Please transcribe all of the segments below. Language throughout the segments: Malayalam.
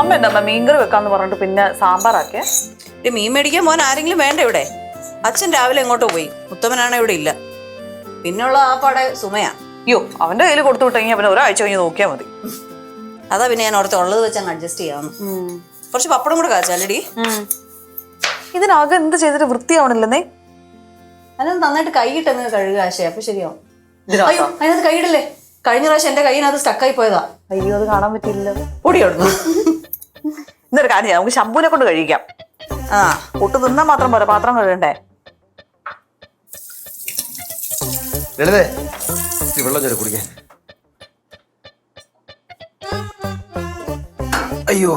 അമ്മ എന്താ മീൻകറി വെക്കാന്ന് പറഞ്ഞിട്ട് പിന്നെ സാമ്പാറാക്കിയ മീൻ മേടിക്കാൻ പോകാൻ ആരെങ്കിലും വേണ്ട ഇവിടെ? അച്ഛൻ രാവിലെ എങ്ങോട്ടോ പോയി, ഉത്തമനാണ് ഇവിടെ ഇല്ല. പിന്നുള്ള ആ പാടെ സുമയാ. അയ്യോ അവന്റെ കയ്യിൽ കൊടുത്തു വിട്ടെങ്കിൽ അവന് ഒരാഴ്ച കഴിഞ്ഞ് നോക്കിയാൽ മതി. അതാ പിന്നെ ഞാൻ ഓർത്ത് ഉള്ളത് വെച്ച് അങ്ങ് അഡ്ജസ്റ്റ് ചെയ്യാവുന്നു. കുറച്ച് പപ്പടം കൂടെ കാച്ചാലടി. ഇതിനാകെ എന്ത് ചെയ്തിട്ട് വൃത്തിയാവണില്ലെന്നേ. അതിനകത്ത് നന്നായിട്ട് കൈയിട്ടെന്ന് കഴുകുക ആശയ, അപ്പൊ ശരിയാവും. അയ്യോ അതിനകത്ത് കൈയിടല്ലേ, കഴിഞ്ഞ പ്രാവശ്യം എന്റെ കൈയിനകത്ത് സ്റ്റക്കായി പോയതാ. അയ്യോ അത് കാണാൻ പറ്റില്ല. ഓടിയോടുന്നു. ഇന്നൊരു കാര്യം ചെയ്യാം, നമുക്ക് ശംഭുവിനെ കൊണ്ട് കഴിക്കാം. ആ പൊട്ട് തിന്നാൻ മാത്രം പോരാ, പാത്രം കഴുകണ്ടേ. വെള്ളം ചൊല്ലി കുടിക്കാൻ. അയ്യോ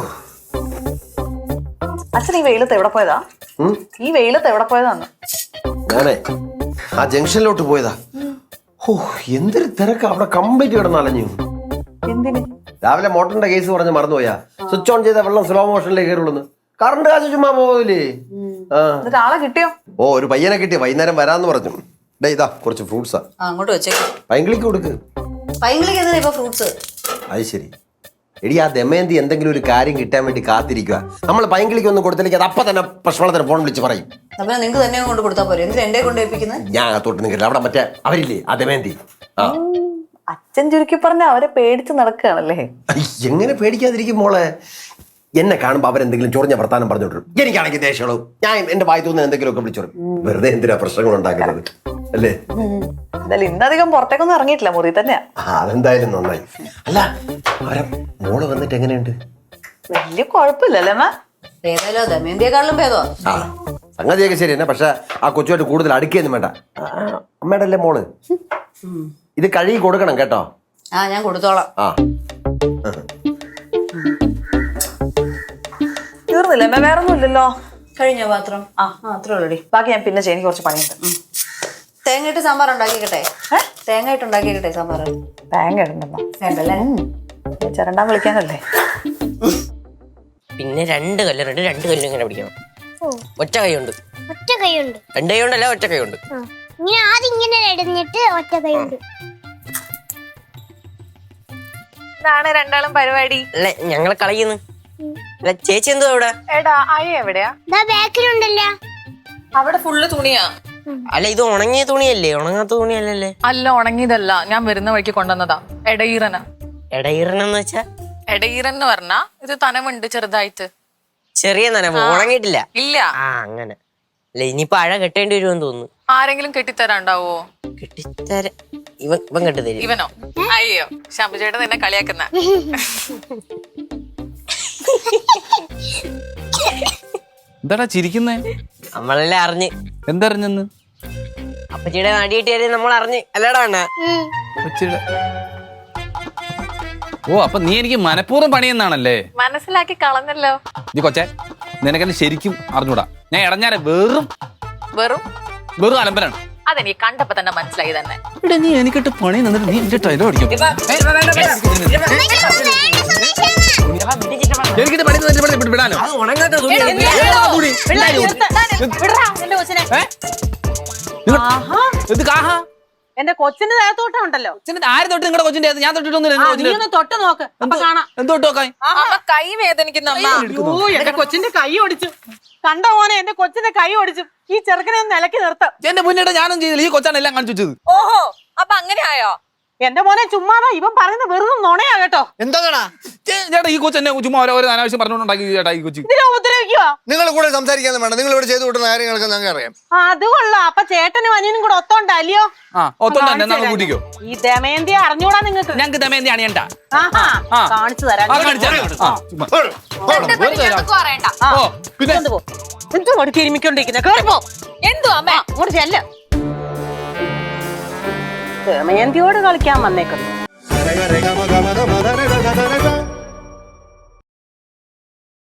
അച്ഛൻ ഈ വെയിലത്ത് എവിടെ പോയതാ? ഈ വെയിലത്ത് എവിടെ പോയതാന്ന്? ഞാനേ ആ ജംഗ്ഷനിലോട്ട് പോയതാ. ഓ എന്തൊരു തിരക്ക് അവിടെ, കംപ്ലീറ്റ് കിടന്ന് അലഞ്ഞു. എന്തിന്? രാവിലെ മോട്ടറിന്റെ കേസ് പറഞ്ഞ് മറന്നുപോയാ. സ്വിച്ച് ഓൺ ചെയ്ത വെള്ളം സ്ലോ മോഷനിലേക്ക് കയറുള്ളൂ. കറണ്ട് കാശ് ചുമ്മാ പോവില്ലേ? എന്നിട്ട് ആളെ കിട്ടിയോ? ഓ ഒരു പയ്യനെ കിട്ടി, വൈകുന്നേരം വരാന്ന് പറഞ്ഞു. ഡേ ഇതാ കുറച്ച് ഫ്രൂട്ട്സാ. അങ്ങോട്ട് വെച്ചേക്ക്. പൈങ്കിളിക്ക് കൊടുക്ക്. പൈങ്കിളിക്ക് എന്താ ഇപ്പൊ ഫ്രൂട്ട്സ്? അത് ശരി. എടി ആ ദമയന്തി എന്തെങ്കിലും ഒരു കാര്യം കിട്ടാൻ വേണ്ടി കാത്തിരിക്കുക. നമ്മൾ പൈങ്കിളിക്ക് ഒന്നും കൊടുത്തില്ലെങ്കിൽ അത് അപ്പൊ തന്നെ പ്രശ്നത്തിന് ഫോൺ വിളിച്ച് പറയും. അപ്പൊ നിങ്ങൾക്ക് തന്നെ കൊണ്ട് കൊടുത്താൽ പോരെ, എന്തിനാ എന്റെ കൊണ്ട് ഏൽപ്പിക്കുന്നത്? ഞാൻ തൊട്ട് നിൽക്കില്ല, അവിടെ മറ്റേ അവരില്ലേ ആ ദമയന്തി. ആ അച്ഛൻ ചുരുക്കി പറഞ്ഞ അവരെ പേടിച്ച് നടക്കുകയാണല്ലേ. എങ്ങനെ പേടിക്കാതിരിക്കും മോളെ? എന്നെ കാണുമ്പോ അവരെന്തെങ്കിലും ചൊറിഞ്ഞ വർത്താനം പറഞ്ഞോട്ടും എനിക്കാണെങ്കിൽ ദേഷ്യമുള്ളൂ. ഞാൻ എന്റെ വായി തോന്നുന്ന എന്തെങ്കിലുമൊക്കെ വിളിച്ചോളും. വെറുതെ എന്തിനാ പ്രശ്നങ്ങൾ ഉണ്ടാക്കുന്നത് അല്ലേ? എന്തായാലും ഇന്നധികം പുറത്തേക്കൊന്നും ഇറങ്ങിയിട്ടില്ല, മുറി തന്നെയാ. അതെന്തായാലും നന്നായി. അല്ല അവരെ മോള് വന്നിട്ട് എങ്ങനെയുണ്ട്? വലിയ കുഴപ്പമില്ലല്ലേ അമ്മ? ഏതായാലും ദമയന്തിയെക്കാളിലും ഭേദമാ. ആ സംഗതിയൊക്കെ ശരി തന്നെ. പക്ഷെ ആ കൊച്ചുമായിട്ട് കൂടുതൽ അടുക്കിയൊന്നും വേണ്ട. അമ്മയുടെ അല്ലേ മോള്? ഇത് കഴുകി കൊടുക്കണം കേട്ടോ. ആ ഞാൻ കൊടുത്തോളാം. ആ തീർന്നില്ല അമ്മ? വേറെ ഒന്നും ഇല്ലല്ലോ. കഴിഞ്ഞ പാത്രം? ആ അത്രേ ഉള്ളടി. ബാക്കി ഞാൻ പിന്നെ ചെയ്യാൻ കുറച്ച് പണിയുണ്ട്. തേങ്ങ ഇട്ട് സാമ്പാർ ഉണ്ടാക്കിക്കട്ടെ? തേങ്ങ ഇട്ട് ഉണ്ടാക്കിക്കട്ടെ സാമ്പാർ? തേങ്ങ ഇടണ്ടെന്നാ വേണ്ടല്ലേ? ചിരണ്ടാൻ വിളിക്കാനല്ലേ. പിന്നെ രണ്ട് കല്ലും ഇങ്ങനെ പിടിക്കണം. ഒറ്റ കൈ ഉണ്ട്. ഒറ്റ കൈയുണ്ട്. രണ്ട് കൈ ഉണ്ടല്ല, ഒറ്റ കൈ ഉണ്ട്. ഇങ്ങനെ ആദ്യം ഇങ്ങനെ ഇടഞ്ഞിട്ട് ഒറ്റ കൈയുണ്ട്. ഇതാണ് രണ്ടാളും പരിപാടി. അല്ല ഞങ്ങളെ കളയുന്നു. അല്ല ചേച്ചി എന്തോ അവിടെ? എടാ അയ്യ എവിടെയാ? ബാക്കിലുണ്ടല്ലോ. അവിടെ ഫുള്ള് തുണിയാ. അല്ല ഇത് ഉണങ്ങിയ തുണിയല്ലേ, ഉണങ്ങാത്ത തുണിയല്ലല്ലേ? അല്ല ഉണങ്ങിയതല്ല, ഞാൻ വരുന്ന വഴിക്ക് കൊണ്ടുവന്നതാ. എടയീറനാ. എടയിറണെന്ന് വെച്ചാ? എടയീറൻ എന്ന് പറഞ്ഞാ ഇത് തനമുണ്ട് ചെറുതായിട്ട്. ചെറിയ നനവ്, ഉണങ്ങിയിട്ടില്ല. ഇല്ല. ആ അങ്ങനെ. അല്ല ഇനിയിപ്പോ അഴ കെട്ടേണ്ടി വരുമെന്ന് തോന്നുന്നു. ആരെങ്കിലും കെട്ടിത്തരാണ്ടാവോ? കെട്ടിത്തര ഇവൻ കെട്ടിത്തരും. ഇവനോ? അയ്യോ ശംഭു ചേട്ടൻ എന്നെ കളിയാക്കുന്ന. എന്താടാ ചിരിക്കുന്നേ? നമ്മളെല്ലാം അറിഞ്ഞ്. എന്തറിഞ്ഞെന്ന്? അപ്പച്ചിയുടെ നാടി കിട്ടിയാലും നമ്മൾ അറിഞ്ഞ് അല്ലടാ അണ്ണ. ഓ അപ്പൊ നീ എനിക്ക് മനഃപൂർവ്വം പണിയെന്നാണല്ലേ? മനസ്സിലാക്കി കളഞ്ഞല്ലോ. നീ കൊച്ചേ നിനക്കെന്നെ ശരിക്കും അറിഞ്ഞൂടാ. ഞാൻ ഇടഞ്ഞാലെ വെറും അലമ്പലാണ്. അതെനിക്ക് കണ്ടപ്പോ തന്നെ മനസ്സിലായി തന്നെ. ഇവിടെ നീ എനിക്കിട്ട് പണി നിന്നിട്ട് നീ എന്റെ ടൈലോ അടിക്കും. എനിക്കിട്ട് പണി നിന്നിട്ട് വിടാനോ? ഇത് കാഹാ എന്റെ കൊച്ചിന്റെ ദേഹത്തോട്ടം ഉണ്ടല്ലോ. ആര് തൊട്ട്? നിങ്ങളുടെ കൊച്ചിന്റെ? ഞാൻ തൊട്ടിട്ടൊന്നും തൊട്ട് നോക്ക്, അപ്പൊ കാണാം. എന്തോട്ട് നോക്കാൻ? കൈ വേദനിക്കുന്ന എന്റെ കൊച്ചിന്റെ കൈ ഒടിച്ചു. കണ്ടോ മോനെ, എന്റെ കൊച്ചിന്റെ കൈ ഒടിച്ചു. ഈ ചെറുക്കനെ ഒന്ന് നിലക്കി നിർത്താം. എന്റെ മുന്നേറ്റ ഞാനും ചെയ്തില്ല, ഈ കൊച്ചാണ് എല്ലാം കാണിച്ചു വെച്ചത്. ഓഹോ അപ്പൊ അങ്ങനെ ആയോ? എന്റെ മോനെ ചുമ്മാതാ, ഇവൻ പറയുന്നത് വെറുതെ നുണയാ കേട്ടോ. എന്താ ചേട്ടാ ഈ കൊച്ചു എന്നെ ചുമ്മാ ഓരോ അനാവശ്യം പറഞ്ഞുകൊണ്ടുണ്ടാക്കി ചേട്ടാ ഈ കൊച്ചു. ഇതിനെ ഉപദ്രവിക്കുവാ. നിങ്ങൾ കൂടെ സംസാരിക്കാനും വേണ്ട, നിങ്ങൾ ഇവിടെ ചെയ്തു കൂട്ടുന്ന കാര്യങ്ങളൊക്കെ ഞങ്ങൾക്ക് അറിയാം. അത് കൊള്ളാം. അപ്പൊ ചേട്ടനും അനിയനും കൂടെ ഒത്തോണ്ടല്ലയോ? ഒത്തോണ്ട് കൂട്ടിക്കോ. ഈ ദമയന്തിയെ അറിഞ്ഞൂടാ നിങ്ങൾക്ക്? ഞങ്ങൾക്ക് ദമയന്തി അണിയണ്ട. കാണിച്ചു തരാം. എന്തുകൊണ്ട് തിരുമിക്കൊണ്ടിരിക്കുന്ന കേറിപ്പോ. എന്തോ അമ്മ അങ്ങോട്ട് ചെല്ല. ദമയന്തിയോട് കളിക്കാൻ വന്നേക്കുന്നു.